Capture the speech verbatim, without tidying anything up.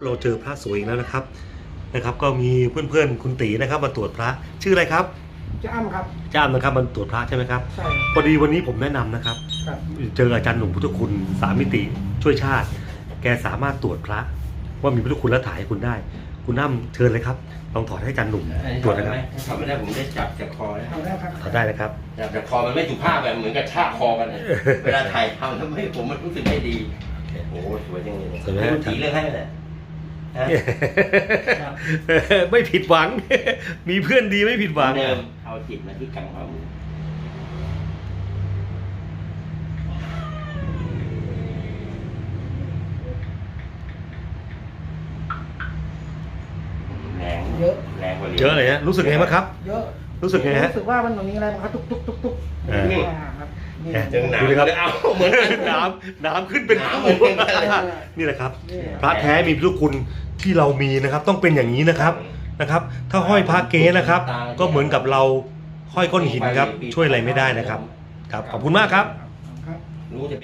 เราเจอพระสวยอีกแล้วนะครับนะครับก็มีเพื่อนๆคุณตีนะครับมาตรวจพระชื่ออะไรครับจ้าอ้ำครับจ้ามนะครับมาตรวจพระใช่ไหมครับใช่พอดีวันนี้ผมแนะนำนะครับครับเจออาจารย์หนุ่มพุทธคุณสามมิติช่วยชาติแกสามารถตรวจพระว่ามีพุทธคุณและถ่ายให้คุณได้คุณน้ำเชิญเลยครับลองถอดให้อาจารย์หนุ่มตรวจนะครับถอดไม่ได้ผมได้จับจากคอแล้วเอาได้ครับถอดได้นะครับจับจากคอมันไม่สุภาพแบบเหมือนกับชากคอกันเลยเวลาถ่ายทำทำให้ผมมันรู้สึกไม่ดีโอ้สวยจังเลยคุณตีเลือกให้เลยไม่ผิดหวังมีเพื่อนดีไม่ผิดหวังเดิมเอาจิตมาที่กลางความแรงเยอะแรงกว่าเยอะเลยฮะรู้สึกไงบ้างครับเยอะรู้สึกไงฮะรู้สึกว่ามันมีอะไรมันทุกทุกทุกทุกครับนี่เจอหนาวเลยเอาเหมือนน้ำน้ำขึ้นเป็นคู่นี่แหละครับพระแท้มีพุทธคุณที่เรามีนะครับต้องเป็นอย่างนี้นะครับนะครับถ้าห้อยพระเก๊นะครับก็เหมือนกับเราห้อยก้อนหินครับช่วยอะไรไม่ได้นะครับครับขอบคุณมากครับรู้จะ